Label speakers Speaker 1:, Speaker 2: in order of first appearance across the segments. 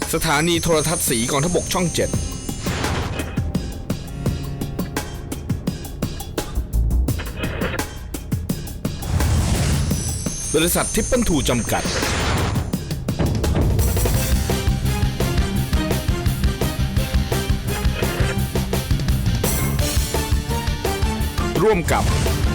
Speaker 1: สถานีโทรทัศน์สีกองทพบกช่อง 7 บริษัททิปเปิลทูจำกัด ร่วมกับ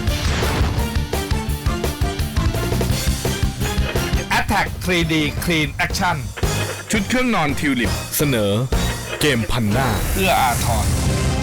Speaker 1: Attack 3D Clean Action ชุดเครื่องนอนทิวลิปเสนอเกมพันหน้าเอื้ออาทร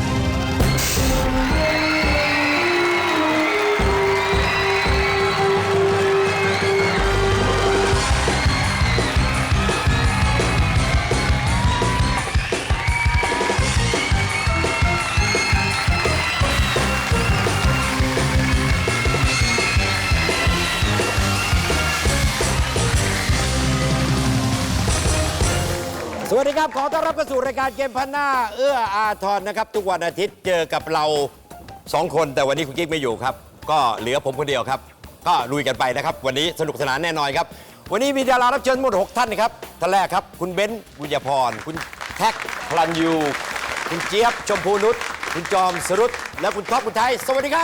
Speaker 2: สวัสดีครับขอต้อนรับเข้าสู่รายการเกมพันหน้าเอื้ออาทรนะครับทุกวันอาทิตย์เจอกับเรา2คนแต่วันนี้คุณกิ๊กไม่อยู่ครับก็เหลือผมคนเดียวครับก็ลุยกันไปนะครับวันนี้สนุกสนานแน่นอนครับวันนี้มีดารารับเชิญหมด6ท่านนะครับท่านแรกครับคุณเบ้นบุญญพรคุณแท็กพลันยูคุณเจี๊ยบชมพูนุชคุณจอมสรุตและคุณท็อปคุณไทยสวัสดีครับ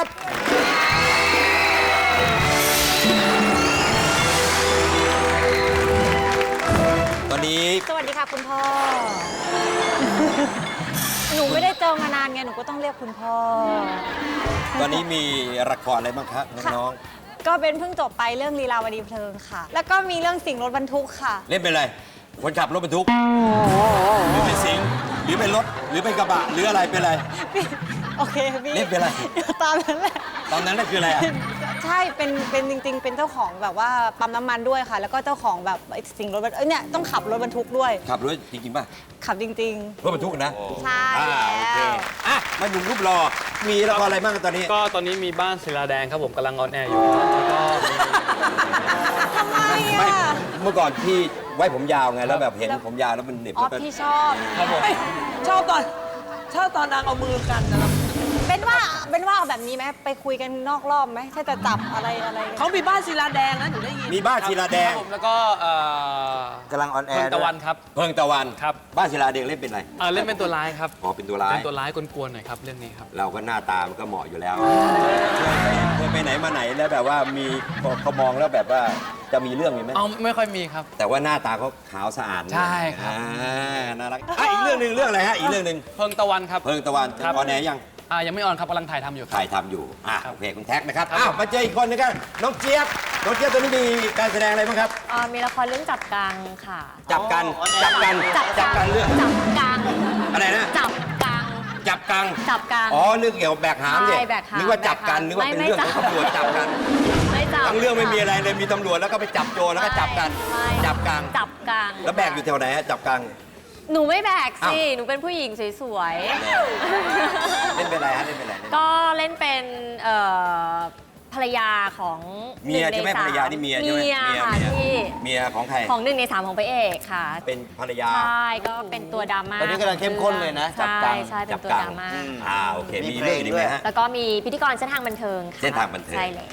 Speaker 2: ตอนนี้
Speaker 3: สวัสดีค่ะคุณพ่อ หนูไม่ได้เจอมานานไงหนูก็ต้องเรียกคุณพ่อ
Speaker 2: ตอนนี้มีละครอะไรบ้างครับน้อง
Speaker 3: ก็เป็นเพิ่งจบไปเรื่องลีลาวดีเพลิงค่ะ แล้วก็มีเรื่องสิ่งรถบรรทุกค่ะ
Speaker 2: เล่นเป็นอะไรคนขับรถบรรทุกหรือเป็นสิงหรือเป็นรถหรือเป็นกระบะหรืออะไรเป็นอะไร
Speaker 3: โอเคพี่
Speaker 2: เล่นเป็นอะไร
Speaker 3: ตามนั้นแหละ
Speaker 2: ตอนนั้นนั่นคืออะไรอ่ะ
Speaker 3: ใช่เป็นจริงๆ เป็นเจ้าของแบบว่าปั๊มน้ำมันด้วยค่ะ แล้วก็เจ้าของแบบสิ่งรถบรรทุกเนี่ยต้องขับรถบรรทุกด้วย
Speaker 2: ขับรถจริงๆป่ะ
Speaker 3: ขับจริง
Speaker 2: รถบรรทุกนะ
Speaker 3: ๆ ใช่
Speaker 2: โอ
Speaker 3: แล้
Speaker 2: เคว อ่ะมาดูรูปรอมีละครอะไรบ้างตอนนี้
Speaker 4: ก็ตอนนี้มีบ้านศิลาแดงครับผมกำลังออนแอร์อยู่ครับแล้วก็มี
Speaker 3: ทำไม
Speaker 2: ไม่
Speaker 3: อ่ะ
Speaker 2: เมื่อก่อนพี่ไว้ผมยาวไงแล้วแบบเห็นผมยาวแล้วมันเหน็บ
Speaker 3: อ๋อ
Speaker 2: แล้วก็
Speaker 3: พี่ชอบ
Speaker 4: ครับผม
Speaker 5: ชอบตอนนางเอามือกันนะครับ
Speaker 3: เป็นว่าเอาแบบนี้ไหมไปคุยกันนอกรอบไหมถ้าจะจับอะไร
Speaker 5: เขามีบ้านศิลาแดงนะหนูได้ยิน
Speaker 2: มีบ้านศิลาแดง
Speaker 4: ครับผมแล้วก็
Speaker 2: กำลังออนแอ
Speaker 4: เพิ่
Speaker 2: ร์
Speaker 4: งตะวันครับ
Speaker 2: เพิ่งตะวัน
Speaker 4: ครับ
Speaker 2: บ้านศิลาแดงเล่นเป็นอะไร
Speaker 4: เล่นเป็นตัวร้ายครับ
Speaker 2: อ๋อเป็นตัวร้าย
Speaker 4: เป็นตัวร้ายกวนๆหน่อยครับเรื่องนี้ครับ
Speaker 2: เราก็หน้าตามันก็เหมาะอยู่แล้วเคยไปไหนมาไหนแล้วแบบว่ามีเขามองแล้วแบบว่าจะมีเรื่องมีไหม
Speaker 4: เอาไม่ค่อยมีครับ
Speaker 2: แต่ว่าหน้าตาเขาขาวสะอาด
Speaker 4: ใช่ครับ
Speaker 2: น่ารักอีกเรื่องหนึ่งเรื่องอะไรฮะอีกเรื่องหนึ่ง
Speaker 4: เพิ่งตะวันครับ
Speaker 2: เพิ่งตะวัน
Speaker 4: ครับ
Speaker 2: ออนแอร์ยัง
Speaker 4: ยังไม่ออนครับกำลังถ่ายทำอยู่ครับ
Speaker 2: ถ่ายทำอยู่โอเคคุณแท็กนะครับ
Speaker 4: ครับ
Speaker 2: มาเจออีกคนนึงกันน้องเจี๊ยบน้องเจี๊ยบตัวนี้มีการแสดงอะไรบ้างครับ
Speaker 3: มีละครเรื่องจับกังค่ะ
Speaker 2: จับกันเรื่อง
Speaker 3: จับกัง
Speaker 2: อะไรนะ
Speaker 3: จับกัง
Speaker 2: จับกัง
Speaker 3: จับกัง
Speaker 2: อ๋อเรื่องเกี่ยวกับแบกหามเนี่ย
Speaker 3: ใช่แบกหาม
Speaker 2: นึกว่าจับกัน
Speaker 3: แบกหาม
Speaker 2: นึกว่าเป็น
Speaker 3: ไม่
Speaker 2: เรื่องของ
Speaker 3: จับ
Speaker 2: ตำรวจจับกัน
Speaker 3: ไม่จับ
Speaker 2: ทั้งเรื่องไม่มีอะไรเลยมีตำรวจแล้วก็ไปจับโจรแล้วก็จับกัน
Speaker 3: ไม่
Speaker 2: จับกัง
Speaker 3: จับกัง
Speaker 2: แล้วแบกอยู่แถวไหนฮะจับกัง
Speaker 3: หนูไม่แบกสิ
Speaker 2: อ้าว
Speaker 3: หนูเป็นผู้หญิงสวย
Speaker 2: เล่นเป็นอะไรฮะเล่นเป็นอะไร
Speaker 3: ๆ ก็เล่นเป็นภรรยาของ
Speaker 2: เมียใช่ไหม
Speaker 3: 1 ใน
Speaker 2: ภรรยานี่เมียใช่ไหม
Speaker 3: เมียค่ะพี่
Speaker 2: เมียของใคร
Speaker 3: ของ1 ใน 3ของพระเอกค่ะ
Speaker 2: เป็นภรรยา
Speaker 3: ใช่ก็เป็นตัวดราม่า
Speaker 6: ตอนนี้กำลังเข้มข้นเลยนะจับกัง
Speaker 3: ใช่เป็นตัวดราม่า
Speaker 2: โอเคมีเรื่องอีกไหมฮะ
Speaker 3: แล้วก็มีพิธีกรเส้นทางบันเทิงค่ะ
Speaker 2: เส้นทางบันเทิง
Speaker 3: ใช่เลย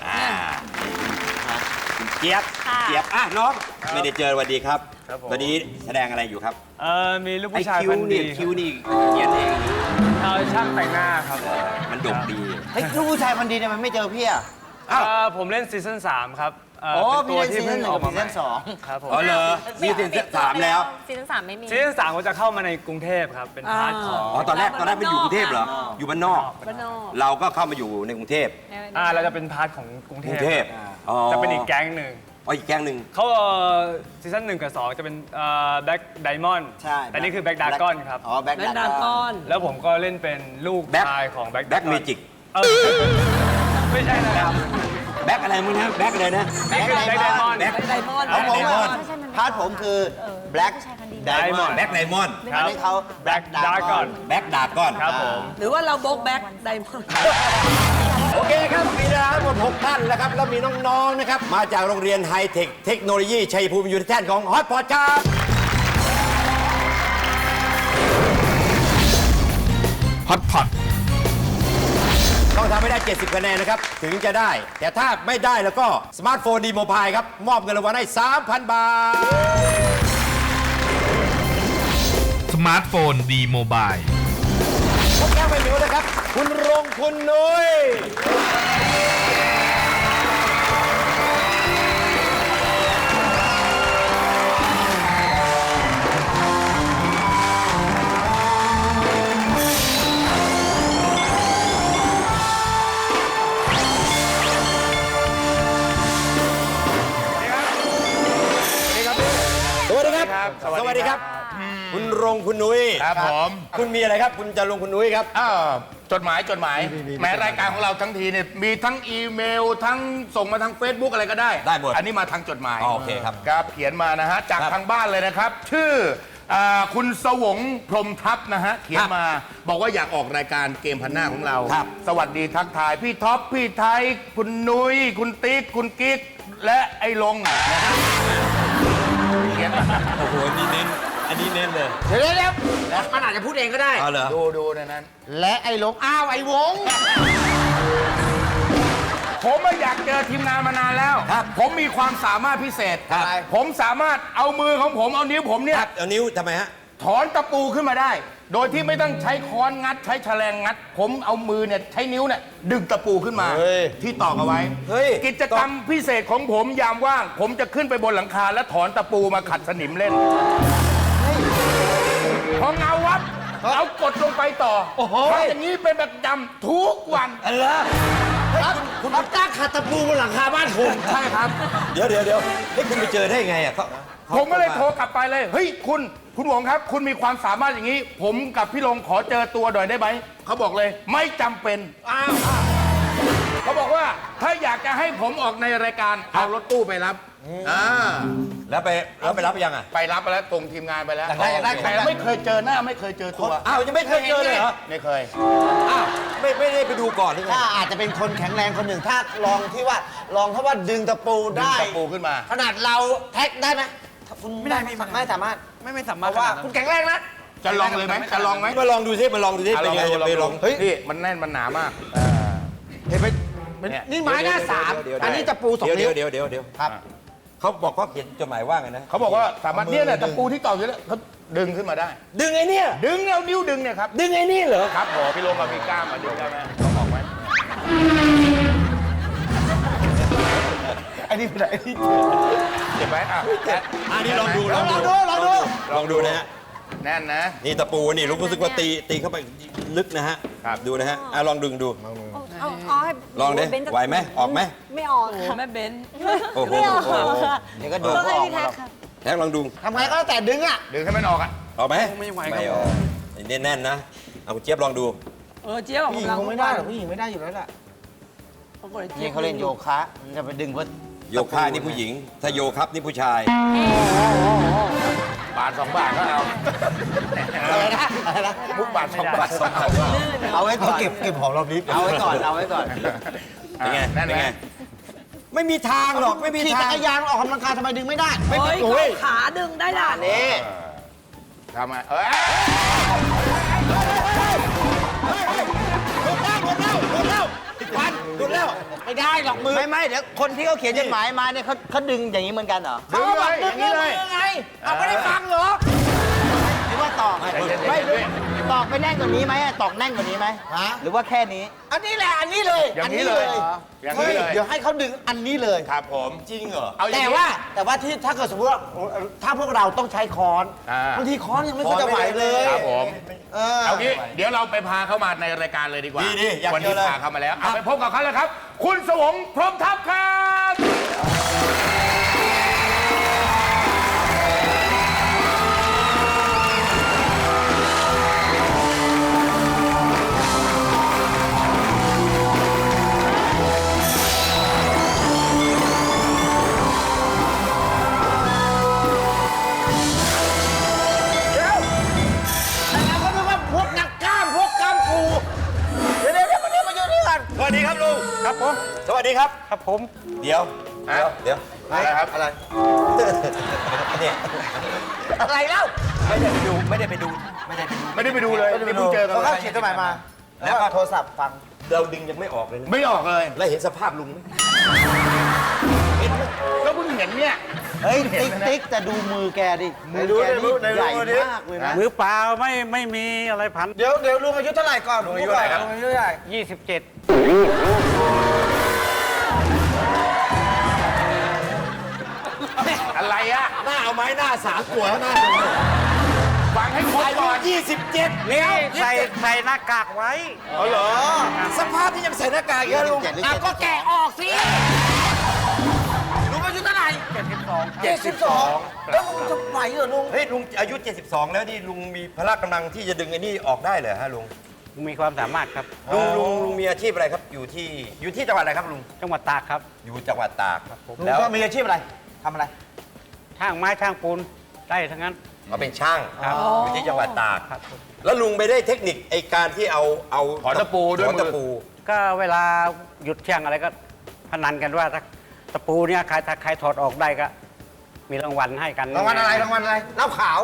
Speaker 2: คุณเจี๊ยบ
Speaker 3: ค่ะ
Speaker 2: เจี๊ยบน้องไม่ได้เจอสวัสดีครับ
Speaker 4: ครับผม
Speaker 2: ตอนนี้แสดงอะไรอยู่ครับ
Speaker 4: มีลูก
Speaker 2: ไอ้
Speaker 4: ผู้ชาย
Speaker 2: คิ
Speaker 4: พั
Speaker 2: วน
Speaker 4: ดี
Speaker 2: นี่คิวนี่เขียนเอง
Speaker 4: ช่างแต่งหน้าครับ
Speaker 2: มันดกดี
Speaker 6: เฮ้ยลูกผู้ชายคนดีเนี่ยมันไม่เจอพี่อ่ะ
Speaker 4: ผมเล่นซีซั่น3ครับ
Speaker 6: อ๋อ
Speaker 4: เป็นตัวที่เพิ่งออกมา
Speaker 6: พี่เล่นซีซั่น
Speaker 4: ใหม่
Speaker 6: 2
Speaker 4: ครับผม
Speaker 2: อ๋อเหรอมีถึงสามแล้ว
Speaker 3: ซีซั่น3ไม่มี
Speaker 4: ซีซั่น3ก็จะเข้ามาในกรุงเทพครับเป็นพาร์ทของ
Speaker 2: อ๋อตอนแรกไปอยู่กรุงเทพเหรออยู่บ้านนอก
Speaker 3: บ้านนอก
Speaker 2: เราก็เข้ามาอยู่ในกรุงเทพ
Speaker 4: เราจะเป็นพาร์ทของกรุง
Speaker 2: ก
Speaker 4: เท
Speaker 2: รุ
Speaker 4: พ
Speaker 2: งเทพอ๋อ
Speaker 4: จะเป็นอีกแก๊งหนึ่ง
Speaker 2: อ๋ออีกแก๊งหนึ่ง
Speaker 4: เขาซีซั่น1 กับ 2 จะเป็นแบ็คไดมอนด์
Speaker 6: ใช่
Speaker 4: แต่นี่คือแบ็คดากอนครับ
Speaker 6: อ๋อแบ็ค
Speaker 5: แบน
Speaker 6: ดา
Speaker 5: ดาก
Speaker 6: อน
Speaker 5: อน
Speaker 4: แล้วผมก็เล่นเป็นลูก
Speaker 2: แบ็ค
Speaker 4: ชายของแบ็ค
Speaker 2: แบ็คเมจิก
Speaker 4: ไม่ใช่นะครับ
Speaker 2: แบ็คอะไรมึงนะแบ็คอะไรนะ
Speaker 4: แบ็คไดมอนด์
Speaker 2: แบ็ค
Speaker 5: ไดมอนด์
Speaker 6: ของผม
Speaker 2: ไดมอนด์
Speaker 6: พาร์ทผมคือแบล็กไดมอนด์
Speaker 2: แบ็คไดมอนด์
Speaker 4: ครั
Speaker 6: อัน
Speaker 4: บ
Speaker 6: นี้เขา
Speaker 4: แบ็คดากอน
Speaker 2: แบ็คดากอน
Speaker 4: ครับผม
Speaker 5: หรือว่าเราโบกแบ็กไดมอนด์
Speaker 2: โอเคครับมีดาราทั้งหมด6ท่านนะครับแล้วมีน้องๆนะครับมาจากโรงเรียนไฮเทคเทคโนโลยีชัยภูมิยูนิเทนของฮอตพอดครับฮอตพอดต้องทำให้ได้ 70 คะแนนนะครับ ถึงจะได้ แต่ถ้าไม่ได้แล้วก็สมาร์ทโฟนดีโมบายครับ มอบเงินรางวัลให้ 3,000 บาท
Speaker 1: มาร์ทโฟนดีโมบาย
Speaker 2: พบแก้วไปหมิวนะครับ คุณรงคุณนุ้ยสวัสดีครับ สวัสดีครับ คุณรงคุณนุ้ย
Speaker 7: ครับผม
Speaker 2: คุณมีอะไรครับ คุณจะลงคุณนุ้ยครับ
Speaker 7: จดหมายแม้รายการของเราทั้งทีเนี่ยมีทั้งอีเมลทั้งส่งมาทาง Facebook อะไรก็ได้
Speaker 2: ได้หมด
Speaker 7: อันนี้มาทางจดหมาย
Speaker 2: โอเคครับ
Speaker 7: ครับเขียนมานะฮะจาก
Speaker 2: ครับ
Speaker 7: ทางบ้านเลยนะครับ ชื่อคุณสวงพรหมทัพนะฮะเขียนมาบอกว่าอยากออกรายการเกมพันหน้าของเรา
Speaker 2: ครับ
Speaker 7: สวัสดีทักทายพี่ท็อปพี่ไทยคุณนุ้ยคุณติ๊กคุณกิ๊กและไอ้ลงนะฮะเขียนมา
Speaker 2: โอ้โหนี่เน้น อันนี้เน้นเลย
Speaker 6: เดี๋ยวมันอาจจะพูดเองก็ได้
Speaker 2: เอาเหรอ
Speaker 7: ดูในนั้น
Speaker 6: และไอ้หลงอ้าวไอ้วง
Speaker 7: ผมไม่อยากเจอทีมงานมานานแล้ว
Speaker 2: ครับ
Speaker 7: ผมมีความสามารถพิเศษ
Speaker 2: ครับ
Speaker 7: ผมสามารถเอามือของผมเอานิ้วผมเนี่ย
Speaker 2: ครับเอานิ้วทำไมฮะ
Speaker 7: ถอนตะปูขึ้นมาได้ โดยที่ไม่ต้องใช้ค้อนงัด ใช้แฉลงงัด ผมเอามือเนี่ยใช้นิ้วเนี่ยดึงตะปูขึ้นมา
Speaker 2: เฮ้ย
Speaker 7: ที่ตอกเอาไว้
Speaker 2: เฮ้ย
Speaker 7: กิจกรรมพิเศษของผมยามว่าง ผมจะขึ้นไปบนหลังคาและถอนตะปูมาขัดสนิมเล่นพอเงาวับเอากดลงไปต่อทำอย่างนี้เป็นประจำทุกวัน
Speaker 2: อะไรคุณรับจ้างขัดตะปูบนหลังคาบ้านผม
Speaker 7: ใช่ครับ
Speaker 2: เดี๋ยวให้คุณไปเจอได้ไงอ่ะเขา
Speaker 7: ผมก็เลยโทรกลับไปเลย เฮ้ยคุณหวงครับ คุณมีความสามารถอย่างนี้ ผมกับพี่ลงขอเจอตัวหน่อยได้ไหม เขาบอกเลยไม่จำเป็นเขาบอกว่าถ้าอยากจะให้ผมออกในรายการเอารถตู้ไปรับ
Speaker 2: แล้วไปรับยังอ่ะ
Speaker 7: ไปรับไปแล้วตรงทีมงานไปแล้ว
Speaker 2: อยากได้
Speaker 7: แต่ไม่เคยเจอหน้าไม่เคยเจอตัว
Speaker 2: อ้าวยังไม่เคยเจอเลยเหรอ
Speaker 7: ไม่เคย
Speaker 2: อ้าวไม่ได้ไปดูก่อนหรือไง
Speaker 6: ถ้าอาจจะเป็นคนแข็งแรงคนหนึ่งถ้าลองถ้าว่าดึงตะปู
Speaker 7: ดึง
Speaker 6: ได้
Speaker 7: ตะปูขึ้นมา
Speaker 6: ขนาดเราแท็กได้ไหมถ้าคุณไม่สามารถ
Speaker 5: ไม่สา
Speaker 6: เพ
Speaker 5: มารถ
Speaker 6: ราะว่า
Speaker 5: ขนดนั้น
Speaker 6: คุณแข็งแรงนะ
Speaker 7: จะลองเลยไหมจะลองไหม
Speaker 2: มาลองดูซิเป็นไงไปลอง
Speaker 7: เฮ้ยนี่มันแน่นมันหนามาก
Speaker 6: เห็นไหม
Speaker 7: เนี่ย
Speaker 6: นี่ไม้หน้าสามอันนี้ตะปูสองนิ้ว
Speaker 2: เดี๋ยว
Speaker 6: ครับ
Speaker 2: เขาบอกเขาเขียนจดหมายว่าไงนะ
Speaker 7: เขาบอกว่าสามารถเนี่ยแหละตะปูที่ตอกอยู่แล้วเขาดึงขึ้นมาได้
Speaker 2: ดึงไอ้เนี่ย
Speaker 7: ดึงเอานิ้วดึงเนี่ยครับ
Speaker 2: ดึงไอ้นี่เหรอ
Speaker 7: ครับผมพี่ลงกับพี่ก้ามาดึงได้ไหมต้องบอกไหม
Speaker 6: อันนี้เป็นอะไร
Speaker 7: เจ็บไหมอ่ะ
Speaker 2: อันนี้ลองดู
Speaker 6: ลองดูนะฮะ
Speaker 7: แน่นนะ
Speaker 2: นี่ตะปูนี่รู้สึกว่าตีเข้าไปลึกนะฮะ
Speaker 7: ครับ
Speaker 2: ดูนะฮะลองดึงดู
Speaker 3: เอาให้
Speaker 2: ลองดิ
Speaker 3: เบนจะ
Speaker 2: ไหวไหมออกไหม
Speaker 3: ไม่ออก
Speaker 5: โอ้
Speaker 3: ค่ะ
Speaker 5: แม่เบน
Speaker 2: โอ้โห
Speaker 3: ไม่ออกค่ะ
Speaker 6: เดี๋ยวก็ดู
Speaker 3: ต้อง
Speaker 6: ก็
Speaker 3: ให้
Speaker 6: ออก
Speaker 3: พี่แท็กค่ะ
Speaker 2: แท็กลองดู
Speaker 6: ทำไงก็แล้วแต่ดึงอ่ะ
Speaker 7: ดึงให้มันออกอ่ะ
Speaker 2: ออกไหม
Speaker 5: ไม่ไหวครับ
Speaker 2: ไม่ออกแน่นๆนะเอาคุณเจี๊ยบลองดู
Speaker 5: เจี๊ยบ
Speaker 6: ผู้หญิงคงไม่ได้หรอกผู้หญิงไม่ได้อยู่แล้วแหละนี่เขาเล่นโยคะมันจะไปดึงเพื่อ
Speaker 2: โยคะนี่ผู้หญิง ถ้าโยครับนี่ผู้ชาย
Speaker 7: บาทสองบาทก็เอา
Speaker 6: อะไรนะ
Speaker 7: มุกบาทสองบาทสองบาท
Speaker 6: เอาไว้ก่อนเก็บของรอบนี้เอาไว้ก่อน
Speaker 2: เป็นไง
Speaker 7: แน่น
Speaker 2: เป็น
Speaker 7: ไหม
Speaker 2: ไง ไม่มีทางหรอกไม่มี
Speaker 6: ขี่
Speaker 2: ทา
Speaker 6: จั
Speaker 2: ง
Speaker 6: กรยานออกกำลังกายทำไมดึงไม่ได้
Speaker 5: เฮ้ยเข้าขาดึงได้ล่ะ
Speaker 6: นี่
Speaker 7: ทำไม
Speaker 2: ดูแล้ว
Speaker 6: ไม่ได้หรอกมือไม่เดี๋ยวคนที่เขาเขียนจดหมายมาเนี่ยเขาดึงอย่างนี้เหมือนกันเหรอ
Speaker 7: ดึงเลยอย่างนี้เลย
Speaker 6: ไงเอาไม่ได้ฟังเหรอหรือว่าตอกไม่ตอกไปแน่นกว่านี้ไหมตอกแน่นกว่านี้ไหมหรือว่าแค่นี้ อันนี้แหละอันนี้เลย
Speaker 7: อย่างนี้เลยอย่างนี้เลย
Speaker 6: เดี๋ยวให้เขาดึงอันนี้เลย
Speaker 7: ครับผม
Speaker 2: จริงเหรอ
Speaker 7: เอาอย่าง
Speaker 6: แต่
Speaker 7: นี้
Speaker 6: ว่าที่ถ้าเกิดสมมติว่าถ้าพวกเราต้องใช้ค้อน
Speaker 7: อ่า
Speaker 6: บางทีค้อนยังไม่ค่อยจะไหวเลย
Speaker 7: ครับผม
Speaker 6: เอา
Speaker 7: เอางี้เดี๋ยวเราไปพาเขามาในรายการเลยดีกว่า
Speaker 2: ดีอยาก
Speaker 7: วัน
Speaker 2: เจ
Speaker 7: นี้
Speaker 2: อเลย
Speaker 7: พาเขามาแล้วเอาไปพบกับเขาเลยครับ คุณสวงพรหมทัพครับ
Speaker 6: แล้วก็นึกว่าพวกนักกล้ามพวกกล้ามปูเดี๋ยวมาอยู่นี่กัน
Speaker 2: สวัสดีครับลุง
Speaker 7: ครับผม
Speaker 2: สวัสดีครับ
Speaker 7: ครับผม
Speaker 2: เดี๋ยว
Speaker 7: อะไรครับอะไร
Speaker 2: เนี่ย
Speaker 6: อะไรเล่า
Speaker 2: ไม่ได้ไปดูไม่ได้ไปดู
Speaker 7: ไม่ได้ไปดูเลยนี่เพิ่งเจอกัน
Speaker 6: เขาเขียนจดหมายมา แล้วก็โทรศัพท์ฟัง
Speaker 2: เราดึงยังไม่ออกเลยนะ
Speaker 7: ไม่ออกเลย
Speaker 2: แล้วเห็นสภาพลุงไหม
Speaker 7: ก็เพิ่งเห็นเนี่ย
Speaker 6: เฮ้ย ติ๊กแต่ดูมือแกดิ มือแกนี่ใหญ่มากเลยนะ
Speaker 8: มือเปล่าไม่มีอะไรพัน
Speaker 6: เดี๋ยวลุงอายุเท่าไหร่ก่อนลุงอายุเท่าไหร่ครับลุงอายุเท่าไหร่
Speaker 8: 27
Speaker 7: อะไรอะ
Speaker 2: หน้าเอาไม้หน้าสามตัวหน้าดู
Speaker 7: ฟังให้ครบ
Speaker 2: อายุ
Speaker 7: ก่อน
Speaker 2: 27
Speaker 8: นี่ใส่หน้ากากไว้
Speaker 2: เอาเหรอสภาพที่ยังใส่หน้ากากอยู่นะลุง
Speaker 6: ก็แกะออกสิลุงอายุเท่าไหร่72แล้วลุงจะไหวเหรอลุง
Speaker 2: เฮ้ยลุงอายุ 72 แล้วนี่ลุงมีพละกำลังที่จะดึงไอ้นี่ออกได้เหรอฮะลุง
Speaker 8: มีความสามารถครับ
Speaker 2: ลุงมีอาชีพอะไรครับอยู่ที่จังหวัดอะไรครับลุง
Speaker 8: จังหวัดตากครับ
Speaker 2: อยู่จังหวัดตากครับ
Speaker 6: ลุง
Speaker 2: แล้ว
Speaker 6: ก็มีอาชีพอะไรทำอะไร
Speaker 8: ช่างไม้ช่างปูนได้ทั้งนั้น
Speaker 2: เขาเป็นช่าง
Speaker 8: ครับ
Speaker 2: อยู่ที่จังหวัดตาก
Speaker 8: ครับ
Speaker 2: แล้วลุงไปได้เทคนิคไอการที่เอา
Speaker 7: ถอนตะปูด้วย
Speaker 2: ถอน
Speaker 7: มื
Speaker 2: ตะ
Speaker 7: อ
Speaker 2: ปู
Speaker 8: ก็เวลาหยุดเที่ยงอะไรก็พนันกันว่าถ้าตะปูเนี่ยถ้าใครถอดออกได้ก็ มีรางวัลให้กัน
Speaker 6: รางวัลอะไรเหล้าขาว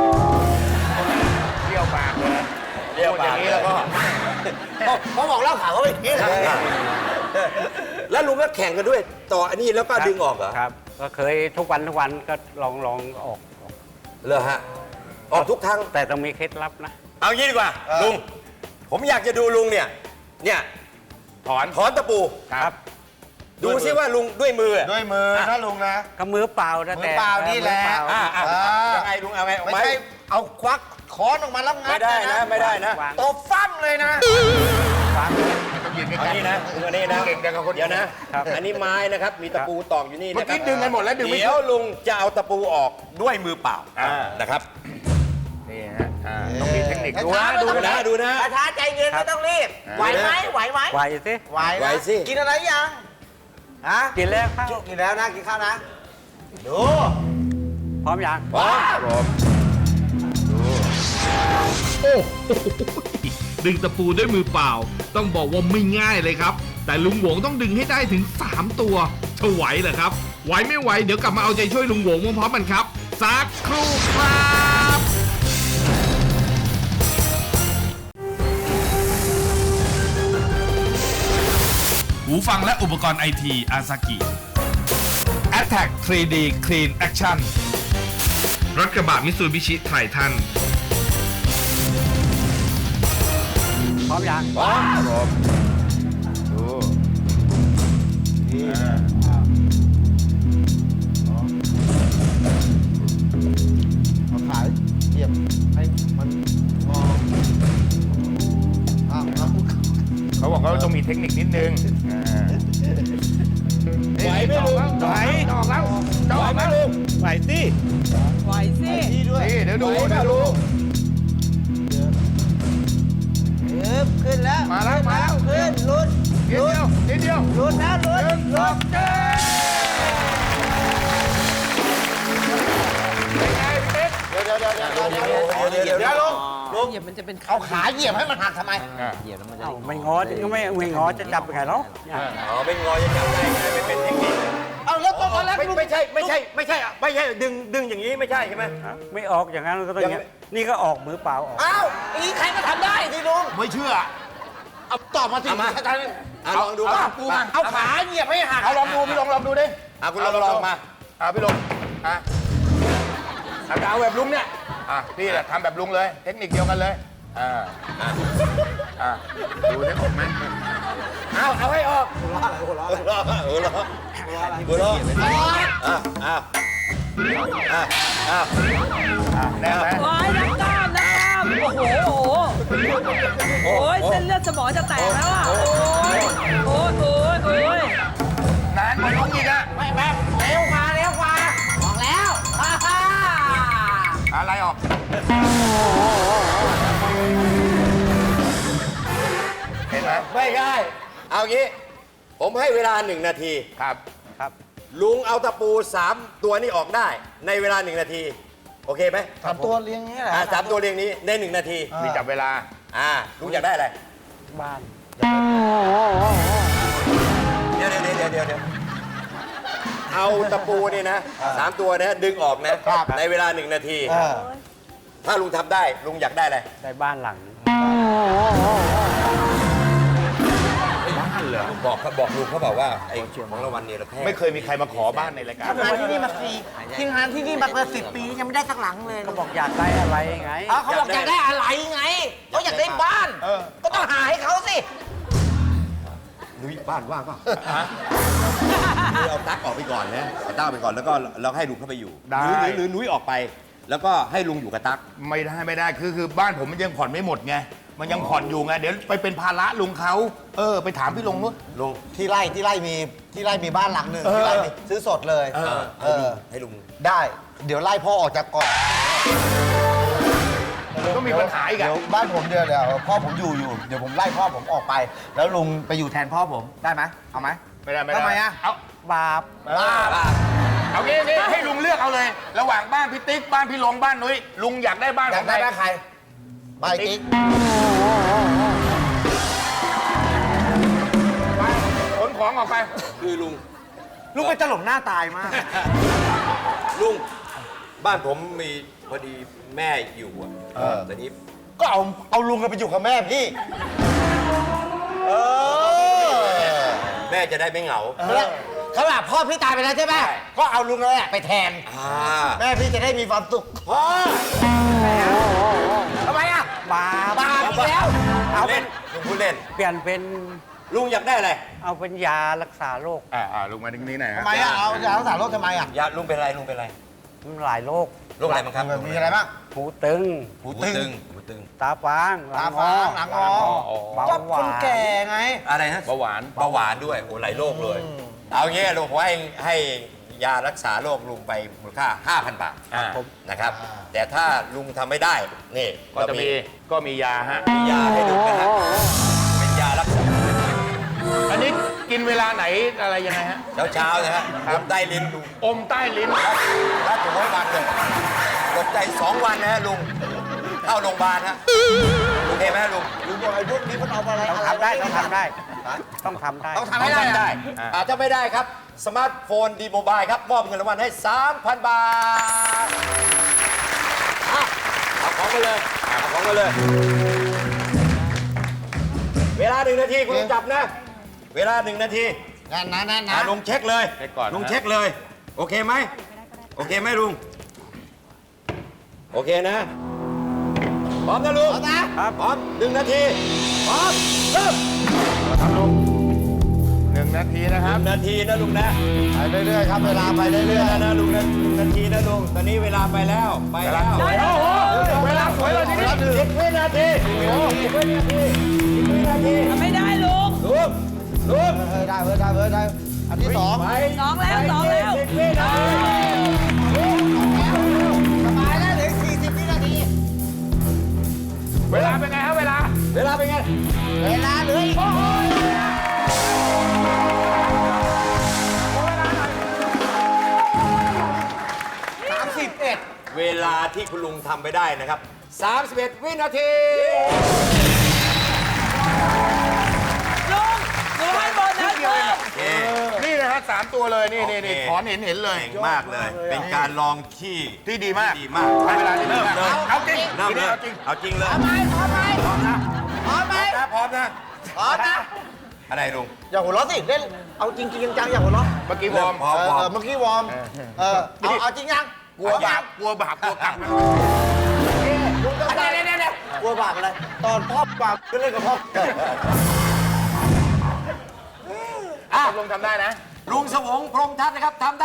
Speaker 7: เที่ยวปากเลย
Speaker 2: เรียกว่าอย่างนี้แล้วก็
Speaker 6: เขาบอกเหล้าขาวเขาอย่างนี้เหรอ
Speaker 2: แล้วลุงก็แข่งกันด้วย ต่ออันนี้แล้วก็ดึงออกเหรอ
Speaker 8: ครับ ก็เคยทุกวันก็ลองออก
Speaker 2: เหรอฮะออกทุกครั้ง
Speaker 8: แต่ต้องมีเคล็ดลับนะ
Speaker 2: เอางี้ดีกว่าลุงผมอยากจะดูลุงเนี่ยถอนตะปู
Speaker 8: ครับ
Speaker 2: ดูซิว่าลุงด้วยมือ
Speaker 6: ด้วยมือนะลุงนะ
Speaker 8: ก็มือเปล่านะ
Speaker 6: มือ
Speaker 8: แต่
Speaker 6: เปล่านี่แหละ
Speaker 8: มือเปา
Speaker 2: ยังไงลุงเอาไงเอา
Speaker 6: ไม่
Speaker 2: ไหม
Speaker 6: ใช่เอาควักค้อนออกมาแล้วงั
Speaker 2: ไม่
Speaker 6: ด
Speaker 2: ได้นะไม่ได้นะ
Speaker 8: วาง
Speaker 6: ตบฟั่มเลยนะ
Speaker 7: ยืนใก
Speaker 2: เอา
Speaker 7: ล้
Speaker 2: นี่นะลุงอันนี้นะ
Speaker 7: เก่งแต่กับคน
Speaker 2: เดี๋ยวนะ อันนี้ไม้นะครับมีตะปูตอกอยู่นี่
Speaker 7: เมื่อ
Speaker 2: นะครั
Speaker 7: กี้
Speaker 2: บ
Speaker 7: ดึงกันหมดแล้วดึงไม่
Speaker 2: เดี๋ยวลุงจะเอาตะปูออกด้วยมือเปล่านะครับ
Speaker 7: นี่ฮะต้องมีเทคนิคดูนะ
Speaker 2: ดูนะดูนะ
Speaker 6: ช้าใจเย็นไม่ต้องรีบ ไหวไหม
Speaker 8: ไหวสิ
Speaker 6: ไหว
Speaker 2: ไหว
Speaker 6: นะ
Speaker 2: สิ
Speaker 6: กินอะไรยังฮะ
Speaker 8: กินแล้วครับ
Speaker 6: กินแล้วนะกินข้าวนะ ดู
Speaker 8: พร้อมยัง
Speaker 2: ว้า
Speaker 1: โอ้โหดึงตะปูด้วยมือเปล่า ต้องบอกว่าไม่ง่ายเลยครับ แต่ลุงหวงต้องดึงให้ได้ถึง 3 ตัวจะไหวเหรอครับ ไหวไม่ไหวเดี๋ยวกลับมาเอาใจช่วยลุงหวงพร้อมๆกันครับ สักครู่ครับ หูฟังและอุปกรณ์ไอทีอาซากิ Attack 3D Clean Action รถกระบะมิตซูบิชิไททัน
Speaker 8: พร้อมยัง
Speaker 2: ว้า
Speaker 7: ดู
Speaker 6: เอาขาเหยียบให้มันงอ
Speaker 7: เขาบอกเขาต้องมีเทคนิคนิดนึง
Speaker 2: ไหวไหมลุง
Speaker 7: ไหวออกแล้วจะออกไหมลุง
Speaker 8: ไหวสิ
Speaker 5: ไหวสิ
Speaker 6: นี่ด้วย
Speaker 7: นี่เดี๋ยวดูเดี๋ยวดู
Speaker 6: ขึ้นแล้ว
Speaker 7: มาแล้วมาแล้ว
Speaker 6: ขึ้นลุ้น
Speaker 7: นิดเดียว
Speaker 6: ลุ้นนะลุ้นลุ้น
Speaker 7: เป็นไงพี่ติ๊ก
Speaker 6: เดี๋ยวลุง
Speaker 5: เหยียบมันจะเป็น
Speaker 6: เอาขาเหยียบให้มันหักทำไม
Speaker 8: เอ้าไม่งอก็ไม่งอจะจับยังไงเนาะ
Speaker 2: อ๋อเป็นงอยังจับได้ไงไม่เป็นเทคนิค
Speaker 6: เอาแล้วตอนแรก
Speaker 2: ไม่ใช่ดึงอย่างนี้ไม่ใช่ใช่ไหม
Speaker 8: ไม่ออกอย่างนั้นก็ต้องอย่างนี้นี่ก็ออกมือเปล่าออก
Speaker 6: อ้าวอย่างนี้ใครก็ทำได้สิลุง
Speaker 7: ไม่เชื่อ
Speaker 6: เอาตอบมาสิ
Speaker 2: ลองดู
Speaker 7: เอา
Speaker 2: มา
Speaker 7: ปูมา
Speaker 6: เอาขาเหยียบให้หัก
Speaker 7: เอาลองดูพี่ลองดูดิ
Speaker 2: คุณลองมา
Speaker 7: พี่ลงเอาแบบลุงเนี่ยพี่แหละทำแบบลุงเลย เทคนิคเดียวกันเลยดูได้ออกไหม
Speaker 2: เอาให้ออกหัวเราะ
Speaker 7: แน่ไหม
Speaker 5: ว้ายนักกล้ามนักกล้ามโอ้โหโอ้ยเส้นเลือดสมองจะแตกแล้วอ่ะ โอ้ยโอ้ยโอ้ยโอ้ย
Speaker 7: นานกว่าลุงอีกอะ
Speaker 6: ไม่แบบเร็วกว่าบอกแล้วฮ่า
Speaker 7: อะไรออกเห็นไหม
Speaker 2: ไม่ได้เอางี้ ผมให้เวลา1 นาที
Speaker 7: ครับ
Speaker 2: ลุงเอาตะปู 3 ตัวนี้ออกได้ ในเวลา1 นาที โอเคไหม
Speaker 6: ทำตัวเลี้ยงนี้แหละ
Speaker 2: 3 ตัวเรียงนี้ใน1 นาที
Speaker 7: มีจับเวลา
Speaker 2: ลุงอยากได้อะไร
Speaker 8: บ้าน
Speaker 2: เดี๋ยวเอาตะปูนี่นะ3 ตัวนะดึงออกนะในเวลา1 นาที ถ้าลุงทำได้ลุงอยากได้อะไร
Speaker 8: ได้บ้านหลัง
Speaker 2: บบอกลุงเขาบอกว่าไอ้ของรางวัลเนี่ยเราแค่
Speaker 7: ไม่เคยมีใครมาขอบ้านในรายการ
Speaker 6: ทำงานที่นี่มาทีมงานที่นี่มาเกิน10 ปียังไม่ได้สักหลังเลย
Speaker 8: ก็บอกอยากได้อะไรไง
Speaker 6: เขาบอกอยากได้อะไรไงเขาอยากได้บ้าน ก็ต้องหาให้เขาสิ
Speaker 2: นุ้ยบ้านว่างป่ะนุ้ยเอาตั๊กออกไปก่อนนะเอาตั๊กออกไปก่อนแล้วก็เราให้ลุงเข้าไปอยู่
Speaker 7: ได้
Speaker 2: หรือนุ้ยออกไป แล้วก็ให้ลุงอยู่กับตั๊ก
Speaker 7: ไม่ได้คือบ้านผมมันยังผ่อนไม่หมดไงมันยังผ่อนอยู่ไงเดี๋ยวไปเป็นภาระลุงเขาไปถามพี่ลงนู้น
Speaker 2: ลุง
Speaker 6: ที่ไร่มีบ้านหลังหนึ่งที่ไร่มีซื้อสดเลย
Speaker 2: ให้ลุง
Speaker 6: ได้ เดี๋ยวไล่พ่อออกจากเกาะ
Speaker 7: ก็มีปัญหาอีกอะ
Speaker 6: เดี๋ยวบ้านผมเดี๋ยวพ่อผมอยู่เดี๋ยวผมไล่พ่อผมออกไป แล้วลุงไปอยู่แทนพ่อผมได้ไหมเอาไหม
Speaker 7: ไม่ได้
Speaker 6: ทำไมอะ
Speaker 7: เอา
Speaker 8: บาป
Speaker 7: เอางี้ให้ลุงเลือกเอาเลย ระหว่างบ้านพี่ติ๊กบ้านพี่ลงบ้านนุ้ยลุงอยากได้บ้าน
Speaker 6: อ
Speaker 7: ข
Speaker 6: ยา
Speaker 7: อก ง
Speaker 6: ได้
Speaker 7: ใคร
Speaker 6: บ้านใครบ้านติ๊ก
Speaker 7: ขนของออกไป
Speaker 2: คือลุง
Speaker 6: ลุงเป็นตลกหน้าตายมาก
Speaker 2: ลุงบ้านผมมีพอดีแม่อยู่อ่ะตอนนี้
Speaker 6: ก็เอาลุงไปอยู่กับแม่พี่
Speaker 2: แม่จะได้ไม่เหงา
Speaker 6: เขาแบบพ่อพี่ตายไปแล้วใช่ไหมก็เอาลุงเลยไปแทน แม่พี่จะได้มีความสุขพ่อทำไมอ่ะ
Speaker 8: บาป
Speaker 6: บาปอีกแล้ว
Speaker 8: เอาเป็
Speaker 2: เล่
Speaker 8: น
Speaker 2: นลุงพูดเล่น
Speaker 8: เปลี่ยนเป็น
Speaker 2: ลุงอยากได้อะไร
Speaker 8: เอาเป็นยารักษาโรค
Speaker 7: ลุงมาตรงนี้หน่อย
Speaker 6: ทำไมอ่ะเอายารักษาโรคทำไมอ่ะ
Speaker 2: ยาลุงเป็นอะไรลุงเป็นอะไร
Speaker 8: มันหลายโรค
Speaker 2: โรคอะไรบ้างครับ
Speaker 6: มีอะไรบ้าง
Speaker 8: หูตึง
Speaker 2: หูตึง
Speaker 8: ตาฟางหลั
Speaker 6: ตาง ฟ้างหลังงอ
Speaker 8: เบา
Speaker 6: ก็
Speaker 8: หวา
Speaker 6: คน
Speaker 8: น
Speaker 6: แก่ไง
Speaker 2: อะไรฮะ
Speaker 7: เบาหวาน
Speaker 2: เบาหวานด้วยโอ้หลายโรคเลย เอางี้ลุงผมให้ยารักษาโรคลุงไปมูลค่า 5,000 บาท นะครับ แต่ถ้าลุงทำไม่ได้นี่
Speaker 7: ก็จะมียาฮะ
Speaker 2: มียาให้ลุงนะฮะเป็นยารักษา
Speaker 7: อันนี้กินเวลาไหนอะไรยังไงฮะ
Speaker 2: เช้าๆนะฮะลมใต้ลิ้นลุง
Speaker 7: อมใต้ลิ้น
Speaker 2: ถ้าถึงวันเลยตกใจ2 วันนะฮะลุงเข้าโรงพยาบาลฮะโอเคไหมฮะลุง
Speaker 6: ลุงบอกไอ้พวกนี้มันเอาอะไร
Speaker 8: ต้องทำได้ต้องทำได้ ต้องทำได้
Speaker 6: ต้องทำให้ได้
Speaker 2: ได้อาจจะไม่ได้ครับ สมาร์ทโฟนดีโมบายครับ มอบเงินรางวัลให้ 3,000 บาทเอาของมาเลยเอาของมาเลย เวลา1 นาทีคุณลุงจับนะ เวลา1 นาที
Speaker 6: นั่นนะ
Speaker 2: ลุงเช็คเลย
Speaker 7: เช็คก่อนนะ
Speaker 2: ลุงเช็คเลย โอเคไหมโอเคไหมลุง โอเคนะ พร้อมนะลุง
Speaker 6: พร้อมนะ
Speaker 2: พร้อม1 นาที พร้อมเริ่ม
Speaker 7: ครับลุง1 นาทีนะครับ
Speaker 2: 1 นาทีนะลุงนะ
Speaker 6: ไปเรื่อยๆครับเวลาไปเรื่อย
Speaker 2: นะลุงนะ1 นาทีนะลุง ตอนนี้เวลาไปแล้วไปแล้ว
Speaker 7: โอ้โหเวลาสวยเลยทีนี้
Speaker 2: 10 วินาที10 วินาที10 วินาที
Speaker 5: ไม่ได้ลุง
Speaker 2: ลุงลุง
Speaker 6: ๆได้อันที่สอง
Speaker 2: ไป
Speaker 5: สองแล้ว
Speaker 2: 10 วินาที
Speaker 6: สบายแล้วเหลือ40 วินาที
Speaker 7: เวลาเป็นไงฮะเวลา
Speaker 2: เวลาเป็นไง
Speaker 6: เวลาเหลืออีก31
Speaker 2: เวลาที่คุณลุงทำไปได้นะครับ 31 วินาที
Speaker 5: ลุงหนูให้โบนัสเพิ่ม
Speaker 7: นี่นะฮะ3 ตัวเลยนี่
Speaker 2: โอเค
Speaker 7: ถอนเห็นเลย
Speaker 2: เก่งมากเลย เป็นการลองที่
Speaker 7: ที่ดีมาก
Speaker 2: ดีมาก
Speaker 7: ใช้เวลาที่ดี
Speaker 2: เริ่ม
Speaker 7: มาก
Speaker 2: เลย
Speaker 7: เอาจริง
Speaker 2: เริ่มเลย
Speaker 7: เอาจริง
Speaker 2: เอาจริงเลย
Speaker 6: พร้อมไหม
Speaker 2: พร้อมนะ
Speaker 6: พร้อมไหม
Speaker 2: พร้อมนะ
Speaker 6: พร้อมนะ
Speaker 2: อะไรลุง
Speaker 6: อย่าหัวเราะสิเล่นเอาจริงจังๆอย่าหัวเราะ
Speaker 7: เมื่อกี้วอร์ม
Speaker 2: พร้อมพร้อม
Speaker 6: เมื่อกี้วอร์มเอาจริงยัง
Speaker 7: กลัวบาปกลัวกรรม
Speaker 6: ลุงก็ได้กลัวบาปอะไรตอนพ่อบาปก็เล่นกับพ่อ
Speaker 7: ลงทำได้นะ
Speaker 2: ลุงสวงพรหมทัศน์นะครับทำได้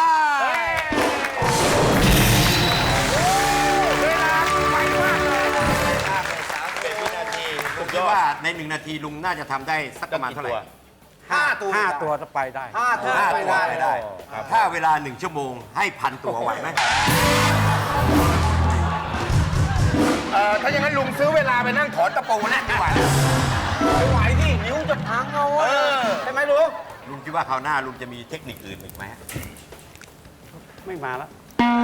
Speaker 7: เวลาไปมากเลย
Speaker 2: 31 วินาทีผมคิดว่าใน 1 นาทีลุงน่าจะทำได้สักประมาณเท่าไหร่
Speaker 6: 5 ตัว
Speaker 8: 5 ตัวจะไปได้
Speaker 6: 5 ตัว
Speaker 2: 5
Speaker 6: ไป
Speaker 2: ตัว
Speaker 6: ได้
Speaker 2: ไปได้ ถ้าเวลา 1 ชั่วโมงให้ 1,000 ตัวไหวไหม
Speaker 7: ถ้าอย่างนั้นลุงซื้อเวลาไปนั่งถอนตะปูนะดีกว่า
Speaker 6: ไม่ไหวดินิ้วจะพังเอาใช่ไหมลุง
Speaker 2: ลุงคิดว่าคราวหน้าลุงจะมีเทคนิคอื่นอีกไหม
Speaker 8: ไม่มาแล้ว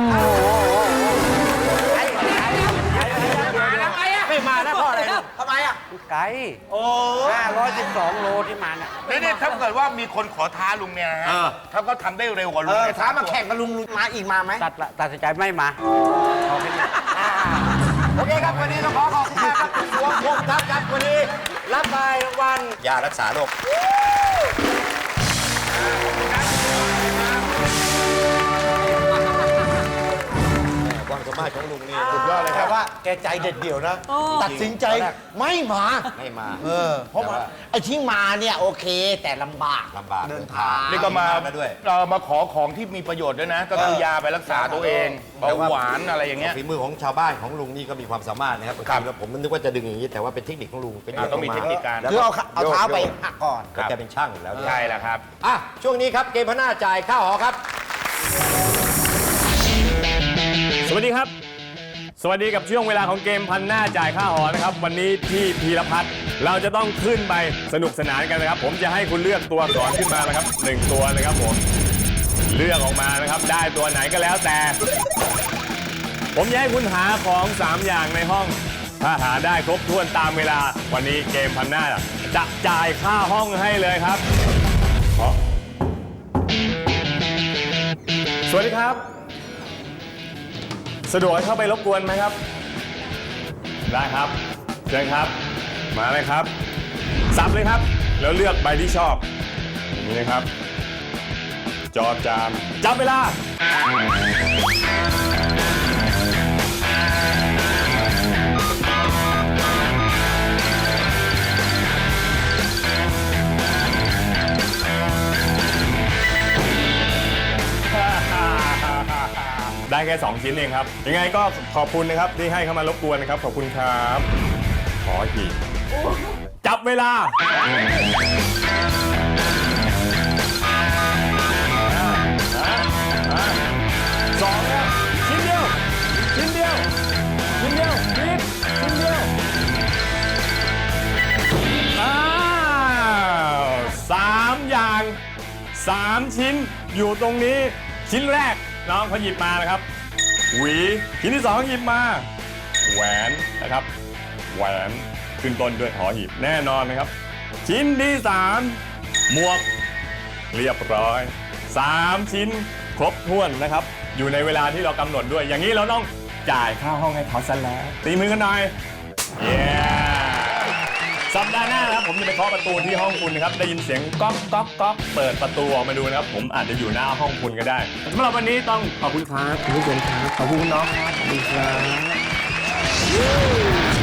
Speaker 2: ไม่มาแล้วพ่ออะไร
Speaker 6: ทำไมอ่ะ
Speaker 8: ไกล
Speaker 6: โอ้
Speaker 8: 512 โลที่มาเนี่ย
Speaker 7: นี่ถ้าเกิดว่ามีคนขอท้าลุงเนี่ยนะฮะถ้าเขาทำได้เร็วกว่าลุงเนี่ย
Speaker 6: ท้ามาแข่งกับลุงมาอีกมาไหม
Speaker 8: ตัดสินใจไม่มาเอาแค่นี้
Speaker 2: โอเคครับ วันนี้เราขอขอบคุณมากครับคุณสวงพรหมทัศน์ครับวันนี้รับไปรางวัลยารักษาโรคความสามารถของลุงนี่
Speaker 6: สุดยอดเลยครับว่าแกใจเด็ดเดี่ยวนะ ตัดสินใจไม่มา
Speaker 2: ไม่มา
Speaker 6: เพราะว่าไอ้ที่มาเนี่ยโอเคแต่ลำบาก
Speaker 2: ลำบาก
Speaker 6: เดินทาง
Speaker 7: นี่ก็มา
Speaker 2: ด้วย
Speaker 7: มาขอของที่มีประโยชน์ด้วยนะ ก็คือยาไปรักษาตัวเองเบาหวานอะไรอย่างเงี้ย
Speaker 2: ฝีมือของชาวบ้านของลุงนี่ก็มีความสามารถนะครับ
Speaker 7: ครับ
Speaker 2: ผมนึกว่าจะดึงอย่างนี้แต่ว่าเป็นเทคนิคของลุงเป็น
Speaker 7: ต้องมีเทคนิคการ
Speaker 2: แล้ว
Speaker 6: คือเอาเท้าไปหักก่อน
Speaker 2: ก็แกเป็นช่างอยู่แล้วเนี่ย
Speaker 7: ใช่แล้วครับ
Speaker 2: อ่ะช่วงนี้ครับเกมพน่าจ่ายค่าหอครับ
Speaker 9: สวัสดีครับ สวัสดีกับช่วงเวลาของเกมพันหน้าจ่ายค่าหอนะครับ วันนี้ที่พีรพัฒน์เราจะต้องขึ้นไปสนุกสนานกันนะครับ ผมจะให้คุณเลือกตัวอักษรขึ้นมานะครับ1ตัวนะครับผมเลือกออกมานะครับได้ตัวไหนก็แล้วแต่ ผมจะให้คุณหาของ3อย่างในห้อง ถ้าหาได้ครบถ้วนตามเวลาวันนี้เกมพันหน้าจะจ่ายค่าห้องให้เลยครับสวัสดีครับสะดวกให้เข้าไปรบกวนไหมครับได้ครับเชิญครับมาเลยครับสับเลยครับแล้วเลือกใบที่ชอบอย่างนี้นะครับจอจามจับเวลาได้แค่2ชิ้นเองครับยังไงก็ขอบคุณนะครับที่ให้เข้ามารบกวนนะครับขอบคุณครับขออีกจับเวลาสองแล้วชิ้นเดียวชิ้นเดียวชิ้นเดียวนิดชิ้นเดียว3 อย่าง3 ชิ้นอยู่ตรงนี้ชิ้นแรกน้องเขาหยิบมานะครับหวีชิ้นที่2หยิบมาแหวนนะครับแหวนขึ้นต้นด้วยหอหีบแน่นอนนะครับชิ้นที่3หมวกเรียบร้อย3 ชิ้นครบถ้วนนะครับอยู่ในเวลาที่เรากำหนดด้วยอย่างนี้เราต้องจ่ายค่าห้องให้เขาซะแล้วตีมือกันหน่อยเย้สัปดาห์หน้านะครับผมจะไปเคาะประตูที่ห้องคุณนะครับได้ยินเสียงก๊อกก๊อกก๊อกเปิดประตูออกมาดูนะครับผมอาจจะอยู่หน้าห้องคุณก็ได้สำหรับวันนี้ต้องขอบคุณครับคุณผู้ชมครับขอบคุณน้องครับขอบคุณครับ